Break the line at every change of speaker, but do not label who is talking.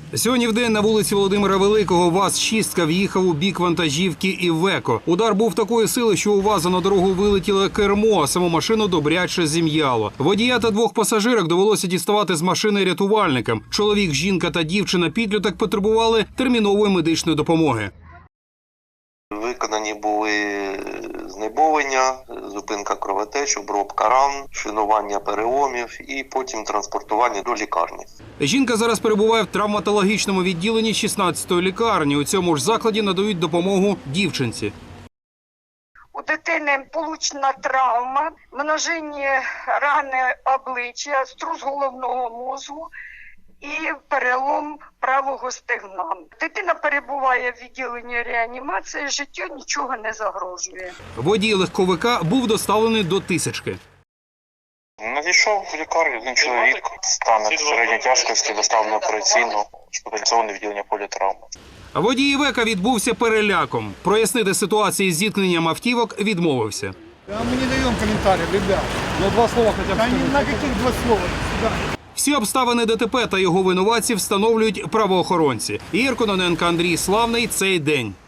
Сьогодні вдень на вулиці Володимира Великого ВАЗ-6 в'їхав у бік вантажівки «Івеко». Удар був такої сили, що у ВАЗа на дорогу вилетіло кермо, а саму машину добряче зім'яло. Водія та двох пасажирок довелося діставати з машини рятувальникам. Чоловік, жінка та дівчина-підліток потребували термінової медичної допомоги.
Виконані були знеболення, зупинка кровотеч, обробка ран, шинування переломів і потім транспортування до лікарні.
Жінка зараз перебуває в травматологічному відділенні 16-ї лікарні. У цьому ж закладі надають допомогу дівчинці.
У дитини получена травма, множинні рани обличчя, струс головного мозку і перелом правого стегна. Дитина перебуває в відділенні реанімації, життю нічого не загрожує.
Водій легковика був доставлений до Тисячки.
Надійшов в лікарню один чоловік, стан середньої тяжкості, доставлено операційно, шпиталізоване відділення політравми.
Водій «Івека» відбувся переляком. Прояснити ситуацію з зіткненням автівок відмовився.
Мы не даем комментариев, ребят.
Ну, два слова хотя бы.
На каких два слова? Да.
Всі обставини ДТП та його винуватців встановлюють правоохоронці. Ігор Кононенко, Андрій Славний. Цей день.